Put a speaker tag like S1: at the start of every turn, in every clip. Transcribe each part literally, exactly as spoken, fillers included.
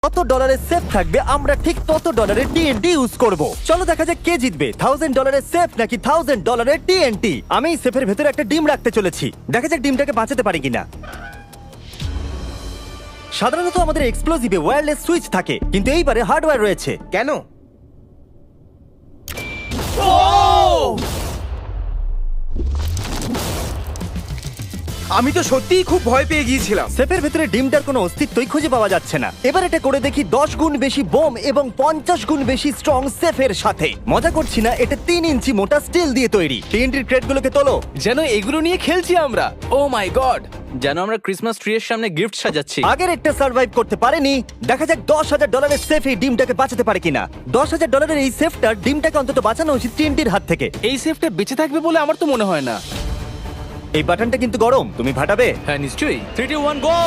S1: কত ডলারের সেফ থাকবে আমরা ঠিক তত ডলারের টিএনটি ইউজ করব। চলো দেখা যাক কে জিতবে, থাউজেন্ড ডলারের সেফ নাকি থাউজেন্ড ডলারের টিএনটি। আমি এই সেফের ভেতরে একটা ডিম রাখতে চলেছি, দেখা যাক ডিমটাকে বাঁচাতে পারি কিনা। সাধারণত আমাদের এক্সপ্লোসিভে ওয়্যারলেস সুইচ থাকে, কিন্তু এইবারে হার্ডওয়্যার রয়েছে।
S2: কেন? আমি তো সত্যিই খুব ভয় পেয়ে গিয়েছিলাম।
S1: সেফের ভেতরে ডিমটার কোনো অস্তিত্বই খুঁজে পাওয়া যাচ্ছে না। এবার এটা করে দেখি দশ গুণ বেশি বোম এবং পঞ্চাশ গুণ বেশি স্ট্রং সেফের সাথে। মজা করছি না, এটা তিন ইঞ্চি মোটা স্টিল দিয়ে তৈরি। টিএনটির ক্রেটগুলোকে তোলো।
S3: যেন এগুলো নিয়ে খেলছি আমরা। ও মাই গড, যেন আমরা ক্রিসমাস ট্রি এর সামনে গিফট সাজাচ্ছি।
S1: আগের একটা সার্ভাইভ করতে পারেনি, দেখা যাক দশ হাজার ডলারের সেফ এই ডিমটাকে বাঁচাতে পারে কিনা। দশ হাজার ডলারের এই সেফটার ডিমটাকে অন্তত বাঁচানো উচিত টিএনটির হাত থেকে।
S3: এই সেফটা বেঁচে থাকবে বলে আমার তো মনে হয় না।
S1: এই বাটনটা কিন্তু গরম, তুমি ফাটাবে।
S3: হ্যাঁ নিশ্চয়ই। Three two one go.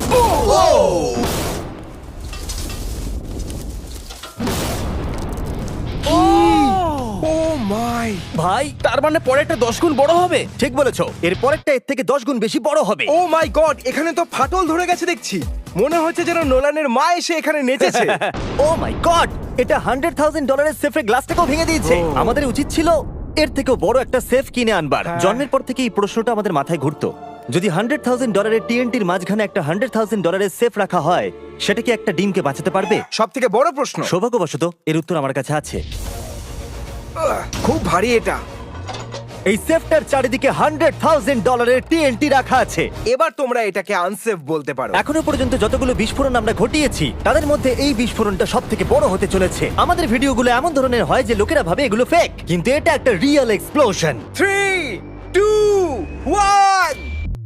S2: Oh my!
S1: ভাই
S3: তার মানে পরে একটা দশ গুণ বড় হবে।
S1: ঠিক বলেছো, এর পরেরটা এর থেকে দশ গুণ বেশি বড় হবে।
S2: Oh my god! এখানে তো ফাটল ধরে গেছে দেখছি। মনে হচ্ছে যেন নোলানের মা এসে এখানে নেচেছে।
S1: ও মাই গড, এটা হান্ড্রেড থাউজেন্ড ডলারের সেফের গ্লাসটাকেও ভেঙে দিয়েছে।
S2: Oh.
S1: আমাদের উচিত ছিল এর থেকেও বড় একটা সেফ কিনে আনবার।
S2: হ্যাঁ।
S1: জন্মের পর থেকে এই প্রশ্নটা আমাদের মাথায় ঘুরতো, যদি হান্ড্রেড থাউজেন্ড ডলারের টিএনটির মাঝখানে একটা হান্ড্রেড থাউজেন্ড ডলারের সেফ রাখা হয়, সেটা কি একটা ডিমকে বাঁচাতে পারবে?
S2: সব থেকে বড় প্রশ্ন।
S1: সৌভাগ্যবশত এর উত্তর আমার কাছে আছে।
S2: আহ, খুব ভারী এটা।
S1: এই সেফটার চারিদিকে হান্ড্রেড থাউজেন্ড ডলারের টিএনটি রাখা আছে।
S2: এবার তোমরা এটাকে আনসেফ বলতে পারো।
S1: এখনো পর্যন্ত যতগুলো বিস্ফোরণ আমরা ঘটিয়েছি তাদের মধ্যে এই বিস্ফোরণটা সব থেকে বড় হতে চলেছে। আমাদের ভিডিওগুলো এমন ধরনের হয় যে লোকেরা ভাবে এগুলো ফেক, কিন্তু এটা একটা real explosion.
S2: Three two one.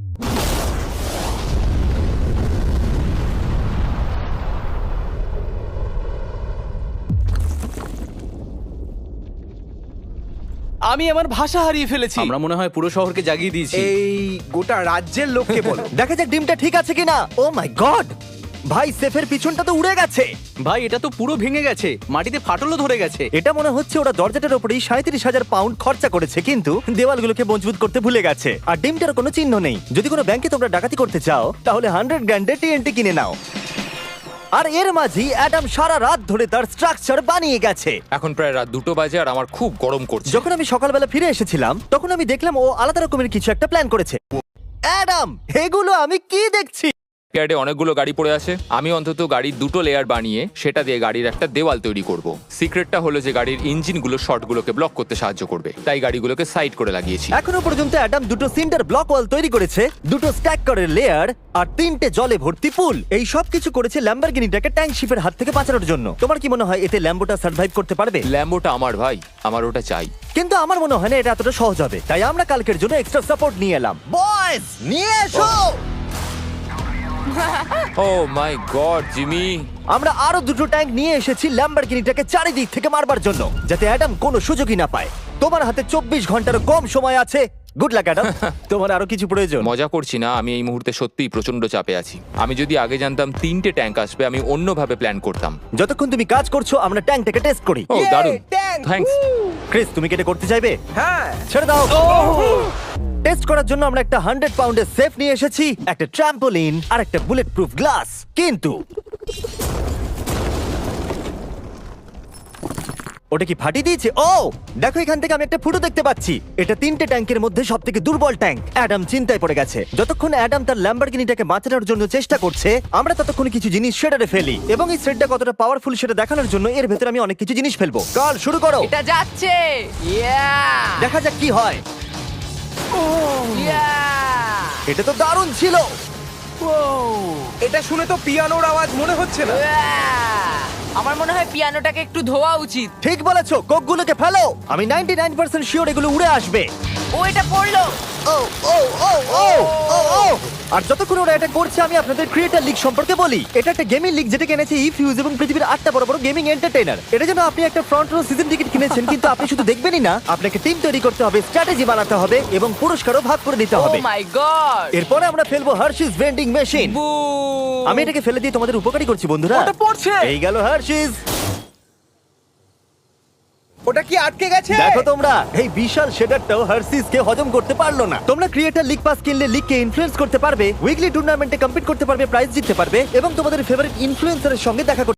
S3: আমি আমার ভাষা হারিয়ে ফেলেছি। আমরা মনে হয় পুরো শহরকে জাগিয়ে দিয়েছি।
S2: এই গোটা রাজ্যের লোককে বলো।
S1: দেখা যাক ডিমটা ঠিক আছে কিনা। ও মাই গড, ভাই সেফের পিছনটা তো উড়ে গেছে।
S3: ভাই এটা তো পুরো ভেঙে গেছে, মাটিতে ফাটলও ধরে গেছে।
S1: এটা মনে হচ্ছে ওরা দরজাটার উপরেই সাঁত্রিশ হাজার পাউন্ড খরচা করেছে, কিন্তু দেওয়ালগুলোকে মজবুত করতে ভুলে গেছে। আর ডিমটার কোনো চিহ্ন নেই। যদি কোনো ব্যাংকে তোমরা ডাকাতি করতে চাও তাহলে হান্ড্রেড গ্র্যান্ডের টিএনটি কিনে নাও। আর এর মাঝেই অ্যাডাম সারা রাত ধরে তার স্ট্রাকচার বানিয়ে গেছে।
S4: এখন প্রায় রাত দুটো বাজে আর আমার খুব গরম করছে।
S1: যখন আমি সকালবেলা ফিরে এসেছিলাম তখন আমি দেখলাম ও আলাদা রকমের কিছু একটা প্ল্যান করেছে। অ্যাডাম, এগুলো আমি কি দেখছি?
S4: ইয়ার্ডে অনেকগুলো গাড়ি পড়ে আছে, আমি অন্তত গাড়ির দুটো লেয়ার বানিয়ে সেটা দিয়ে গাড়ির একটা দেওয়াল তৈরি করব। সিক্রেটটা হলো যে গাড়ির ইঞ্জিনগুলো শর্টগুলোকে ব্লক করতে সাহায্য করবে, তাই গাড়িগুলোকে সাইড করে লাগিয়েছি।
S1: এখনো পর্যন্ত অ্যাডাম দুটো সিন্টার ব্লক ওয়াল তৈরি করেছে, দুটো স্ট্যাক করের লেয়ার আর তিনটে জলে ভর্তি পুল। এই সব কিছু করেছে ল্যাম্বরগিনিটাকে ট্যাঙ্ক শিপের হাত থেকে বাঁচানোর জন্য। তোমার কি মনে হয় এতে ল্যাম্বোটা সার্ভাইভ করতে পারবে?
S4: ল্যাম্বোটা আমার ভাই, আমার ওটা চাই।
S1: কিন্তু আমার মনে হয় না এটা এতটা সহজ হবে, তাই আমরা কালকের জন্য এক্সট্রা সাপোর্ট নিয়ে এলাম। বয়েজ, নিয়ে এসো।
S4: ও মাই গড জিমি,
S1: আমরা আরো দুটো ট্যাঙ্ক নিয়ে এসেছি ল্যাম্বরগিনিটাকে চারিদিক থেকে মারবার জন্য, যাতে অ্যাডাম কোনো সুযোগই না পায়। তোমার হাতে চব্বিশ ঘন্টারও কম সময় আছে। Good luck Adam. তোমার আরো কিছু প্রয়োজন?
S4: মজা করছি না, আমি এই মুহূর্তে সত্যিই প্রচন্ড চাপে আছি। আমি যদি আগে জানতাম তিনটে ট্যাঙ্ক আসবে আমি অন্যভাবে প্ল্যান করতাম।
S1: যতক্ষণ তুমি কাজ করছো আমরা ট্যাঙ্কটাকে টেস্ট করি।
S4: ও
S2: Yay,
S4: দারুণ,
S2: tank!
S4: থ্যাঙ্কস।
S1: ক্রিস, তুমি কি এটা করতে চাইবে?
S2: হ্যাঁ।
S1: ছেড়ে দাও। টেস্ট করার জন্য আমরা একটা হান্ড্রেড পাউন্ডের সেফ নিয়ে এসেছি, একটা ট্রাম্পোলিন আর একটা বুলেট প্রুফ গ্লাস। কিন্তু ওটা কি ফাটিয়ে দিয়েছে? ও দেখো, এখান থেকে আমি একটা ফুটো দেখতে পাচ্ছি। এটা তিনটে ট্যাঙ্কের মধ্যে সব থেকে দুর্বল ট্যাঙ্ক। অ্যাডাম চিন্তায় পড়ে গেছে। যতক্ষণ অ্যাডাম তার ল্যাম্বরগিনিটাকে বাঁচানোর জন্য চেষ্টা করছে, আমরা ততক্ষণ কিছু জিনিস শেডারে ফেলি, এবং এই শেডটা কতটা পাওয়ারফুল সেটা দেখানোর জন্য এর ভেতরে আমি অনেক কিছু জিনিস ফেলবো। কাল শুরু করো।
S5: এটা যাচ্ছে। ইয়া!
S1: দেখা যাক কি হয়।
S5: ইয়া!
S1: এটা তো দারুণ ছিল।
S2: এটা শুনে তো পিয়ানোর আওয়াজ মনে হচ্ছে না।
S5: ইয়া! আমার মনে হয় পিয়ানোটাকে একটু ধোয়া উচিত।
S1: ঠিক বলেছো, কোকগুলোকে ফেলো। আমি নাইনটি নাইন পার্সেন্ট শিওর এগুলো উড়ে আসবে।
S5: ও এটা পড়লো।
S1: ও ও ও ও ও ও আর যতক্ষণ ওরা এটা করছে আমি আপনাদের ক্রিয়েটর লিগ সম্পর্কে বলি। এটা একটা গেমিং লিগ যেটা কিনেছে ইফিউজ এবং পৃথিবীর আটটা বড় বড় গেমিং এন্টারটেইনার। এটা যেন আপনি একটা ফ্রন্ট রো সিজন টিকিট কিনেছেন, কিন্তু আপনি শুধু দেখবেনই না, আপনাকে টিম তৈরি করতে হবে, স্ট্র্যাটেজি বানাতে হবে এবং পুরস্কারও ভাগ করে দিতে
S5: ও
S1: হবে।
S5: My god!
S1: এরপরে আমরা ফেলবো হার্শিস ভেন্ডিং মেশিন।
S5: বু!
S1: আমি এটাকে ফেলে দিয়ে তোমাদের উপকারী করছি বন্ধুরা।
S2: ওটা পড়ছে।
S1: এই গেল হার্শিস।
S2: ওটা কি আটকে গেছে?
S1: দেখো তোমরা, এই বিশাল শেডারটাও হার্সিস কে হজম করতে পারলো না। তোমরা ক্রিয়েটার লিগ পাস কিনলে লিগকে ইনফ্লুয়েন্স করতে পারবে, উইকলি টুর্নামেন্টে কম্পিট করতে পারবে, প্রাইজ জিততে পারবে এবং তোমাদের ফেভারিট ইনফ্লুয়েন্সারের সঙ্গে দেখা করতে